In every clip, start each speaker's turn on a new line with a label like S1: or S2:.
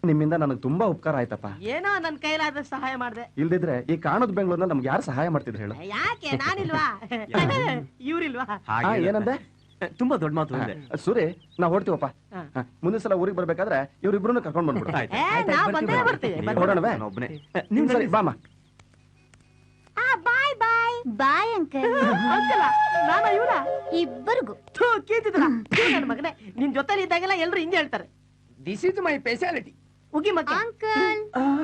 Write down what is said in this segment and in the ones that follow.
S1: ನಿಮ್ಮಿಂದ ನನಗೆ ತುಂಬಾ ಉಪಕಾರ ಆಯ್ತಪ್ಪ.
S2: ಏನೋ ನನ್ನ ಕೈಲಾದ ಸಹಾಯ ಮಾಡಿದೆ.
S1: ಇಲ್ದಿದ್ರೆ ಈ ಕಾಣದ ಬೆಂಗಳೂರಿನಲ್ಲಿ ನಮ್ಗೆ ಯಾರು ಸಹಾಯ ಮಾಡ್ತಿದ್ರು ಹೇಳು?
S2: ಯಾಕೆ ನಾನಿಲ್ವಾ? ಇವ್ರಿಲ್ವಾ?
S1: ಏನಂದೆ?
S3: ತುಂಬಾ ದೊಡ್ಡ ಮಾತು ಇದೆ.
S1: ಸೂರಿ, ನಾವ್ ಹೊಡ್ತೀವಪ್ಪ. ಮುಂದಿನ ಸಲ ಊರಿಗೆ ಬರ್ಬೇಕಾದ್ರೆ ಇವ್ರಿಬ್ರು ಕರ್ಕೊಂಡ್ ಬಂದ್ಬಿಡು.
S2: ಒಬ್ಬನೇ
S1: ನಿಮ್ ಸರಿ ಬಾಮ.
S4: Bye bye bye uncle.
S2: ನಾನು ಇವರ
S4: ಇಬ್ಬರಿಗೂ
S2: ಕೀತಿದ್ರ ನನ್ನ ಮಗನೇ. ನಿನ್ ಜೊತೆ ಇದ್ದಾಗೆಲ್ಲ ಎಲ್ರು ಹಿಂಗೆ ಹೇಳ್ತಾರೆ.
S5: This is my speciality.
S2: ಉಗಿ ಮಕ್ಕ
S4: ಅಂಕಲ್.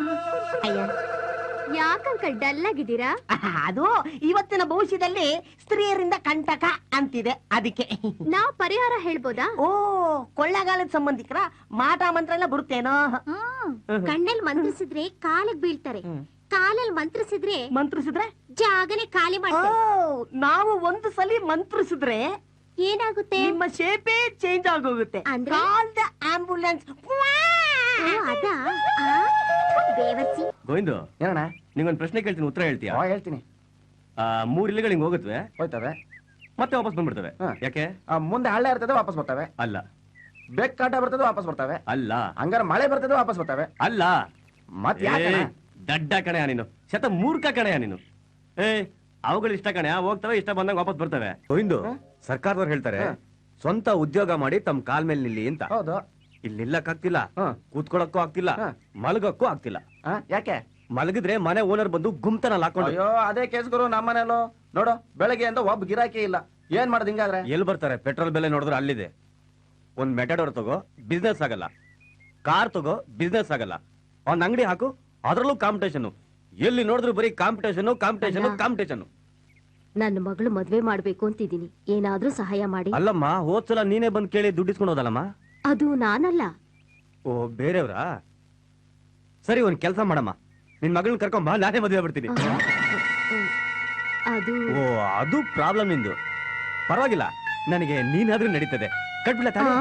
S4: ಯಾಕಂಕಲ್ ಡಲ್ ಆಗಿದ್ದೀರಾ?
S2: ಅದು ಇವತ್ತಿನ ಭವಿಷ್ಯದಲ್ಲಿ ಸ್ತ್ರೀಯರಿಂದ ಕಂಟಕ ಅಂತಿದೆ, ಅದಕ್ಕೆ.
S4: ನಾವ್ ಪರಿಹಾರ ಹೇಳ್ಬೋದಾ?
S2: ಓ, ಕೊಳ್ಳಗಾಲದ ಸಂಬಂಧಿಕರ ಮಾಟ ಮಂತ್ರ ಎಲ್ಲ ಬರುತ್ತೇನೋ?
S4: ಕಣ್ಣಲ್ಲಿ ಮಂತ್ರಿಸಿದ್ರೆ ಕಾಲಿಗೆ ಬೀಳ್ತಾರೆ, ಕಾಲಲ್ಲಿ ಮಂತ್ರಿಸಿದ್ರೆ ಜಾಗನೇ ಖಾಲಿ ಮಾಡ್ತಾರೆ.
S2: ನಾವು ಒಂದು ಸಲ ಮಂತ್ರಿಸಿದ್ರೆ
S4: ಏನಾಗುತ್ತೆ?
S2: ನಿಮ್ಮ ಶೇಪೇ ಚೇಂಜ್ ಆಗೋಗುತ್ತೆ.
S4: ಅಂದ್ರೆ?
S2: ಆಂಬುಲೆನ್ಸ್.
S4: ಅದಾ? ಬೇವರ್ಸಿ.
S3: ಗೋವಿಂದು,
S1: ಏನಣ್ಣ?
S3: ನಿಂಗೊಂದು ಪ್ರಶ್ನೆ ಕೇಳ್ತೀನಿ, ಉತ್ತರ ಹೇಳ್ತೀಯಾ?
S1: ಹೇಳ್ತೀನಿ.
S3: 3 ಇಲಿಗಳು ಹಿಂಗ್ ಹೋಗುತ್ತವೆ,
S1: ಹೋಯ್ತವೆ,
S3: ಮತ್ತೆ ವಾಪಸ್ ಬಂದ್ಬಿಡ್ತವೆ. ಯಾಕೆ?
S1: ಮುಂದೆ ಹಳ್ಳ ಇರ್ತದೆ, ವಾಪಸ್ ಬರ್ತವೆ.
S3: ಅಲ್ಲ.
S1: ಬೆಕ್ಕಾಟ ಬರ್ತದೆ, ವಾಪಸ್ ಬರ್ತವೆ.
S3: ಅಲ್ಲ.
S1: ಹಂಗಾರ ಮಳೆ ಬರ್ತದೆ, ವಾಪಸ್ ಬರ್ತವೆ.
S3: ಅಲ್ಲ.
S1: ಮತ್
S3: ದಡ್ಡ ಕಣೆಯ ನೀನು, ಶತ ಮೂರ್ಖ ಕಣೆಯ ನೀನು. ಅವುಗಳು ಇಷ್ಟ ಕಣೆಯ, ಹೋಗ್ತವೆ, ಇಷ್ಟ ಬಂದಂಗ ವಾಪಸ್ ಬರ್ತವೆ. ಗೋವಿಂದು, ಸರ್ಕಾರದವ್ರು ಹೇಳ್ತಾರೆ ಸ್ವಂತ ಉದ್ಯೋಗ ಮಾಡಿ ತಮ್ಮ ಕಾಲ್ ಮೇಲೆ ನಿಲ್ಲಿ ಅಂತ.
S1: ಹೌದು.
S3: ಇಲ್ಲಿ ನಿಲ್ಲಕ್ ಆಗ್ತಿಲ್ಲ, ಕೂತ್ಕೊಳಕ್ಕೂ ಆಗ್ತಿಲ್ಲ, ಮಲಗಕ್ಕೂ ಆಗ್ತಿಲ್ಲ.
S1: ಯಾಕೆ?
S3: ಮಲಗಿದ್ರೆ ಮನೆ ಓನರ್ ಬಂದು ಗುಮ್ತನಲ್ಲಿ ಹಾಕೊಂಡು.
S1: ಅಯ್ಯೋ, ಅದೇ ಕೇಸ್ ಗುರು ನಮ್ಮ ಮನೇಲೂ. ನೋಡು, ಬೆಳಗ್ಗೆ ಅಂತ ಒಬ್ಬ ಗಿರಾಕಿ ಇಲ್ಲ. ಏನ್ ಮಾಡೋದು ಹಿಂಗಾದ್ರೆ?
S3: ಎಲ್ಲಿ ಬರ್ತಾರೆ? ಪೆಟ್ರೋಲ್ ಬೆಲೆ ನೋಡಿದ್ರೆ ಅಲ್ಲಿದೆ. ಒಂದ್ ಮೆಟಾಡೋರ್ ತಗೋ, ಬಿಸ್ನೆಸ್ ಆಗಲ್ಲ. ಕಾರ್ ತಗೋ, ಬಿಸ್ನೆಸ್ ಆಗಲ್ಲ. ಒಂದ್ ಅಂಗಡಿ ಹಾಕು, ಅದ್ರಲ್ಲೂ ಕಾಂಪಿಟೇಷನ್. ಎಲ್ಲಿ ನೋಡಿದ್ರು ಬರೀ ಕಾಂಪಿಟೇಷನ್ ಕಾಂಪಿಟೇಷನ್ ಕಾಂಪಿಟೇಷನ್.
S4: ನನ್ನ ಮಗಳು ಮದ್ವೆ ಮಾಡ್ಬೇಕು ಅಂತಿದ್ದೀನಿ, ಏನಾದ್ರೂ ಸಹಾಯ ಮಾಡಿ.
S3: ಅಲ್ಲಮ್ಮ, ಹೋದ್ಸಲ ನೀನೇ ಬಂದ್ ಕೇಳಿ ದುಡ್ಡಿಸ್ಕೊಂಡು ಹೋದಲ್ಲಮ್ಮ.
S4: ಅದು ನಾನಲ್ಲ.
S3: ಓ, ಬೇರೆಯವ್ರಾ? ಸರಿ, ಒಂದ್ ಕೆಲಸ ಮಾಡಮ್ಮ, ನಿನ್ ಮಗಳನ್ನ ಕರ್ಕೊಂಬ, ನಾನೇ ಮದುವೆ ಆಗ್ಬಿಡ್ತೀನಿ.
S4: ಅದು
S3: ಓ, ಅದು ಪ್ರಾಬ್ಲಮ್ ನಿಂದು. ಪರವಾಗಿಲ್ಲ, ನನಗೆ ನೀನಾದ್ರೂ ನಡೀತದೆ. ಕಟ್ಬಿಡ ತಾನೆ.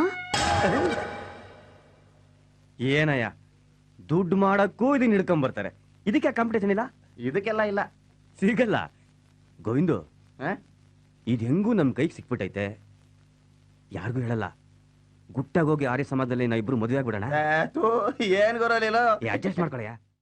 S3: ಏನಯ್ಯ, ದುಡ್ಡು ಮಾಡಕ್ಕೂ ಇದನ್ನ ಹಿಡ್ಕೊಂಡ್ ಬರ್ತಾರೆ. ಇದಕ್ಕೆ ಕಾಂಪಿಟೇಷನ್ ಇಲ್ಲ?
S1: ಇದಕ್ಕೆಲ್ಲ ಇಲ್ಲ,
S3: ಸಿಗಲ್ಲ. ಗೋವಿಂದು, ಇದು ಹೆಂಗೂ ನಮ್ ಕೈಗೆ ಸಿಕ್ಬಿಟ್ಟೈತೆ, ಯಾರಿಗೂ ಹೇಳಲ್ಲ. ಗುಟ್ಟಾಗೋಗಿ ಆರ್ಯ ಸಮಾಜದಲ್ಲಿ ನಾ ಇಬ್ರು ಮದುವೆ ಆಗ್ಬಿಡೋಣ.
S1: ಏನ್ ಗೊರಲಿಲ್ಲ,
S3: ಅಡ್ಜಸ್ಟ್ ಮಾಡ್ಕೊಳಯ್ಯ.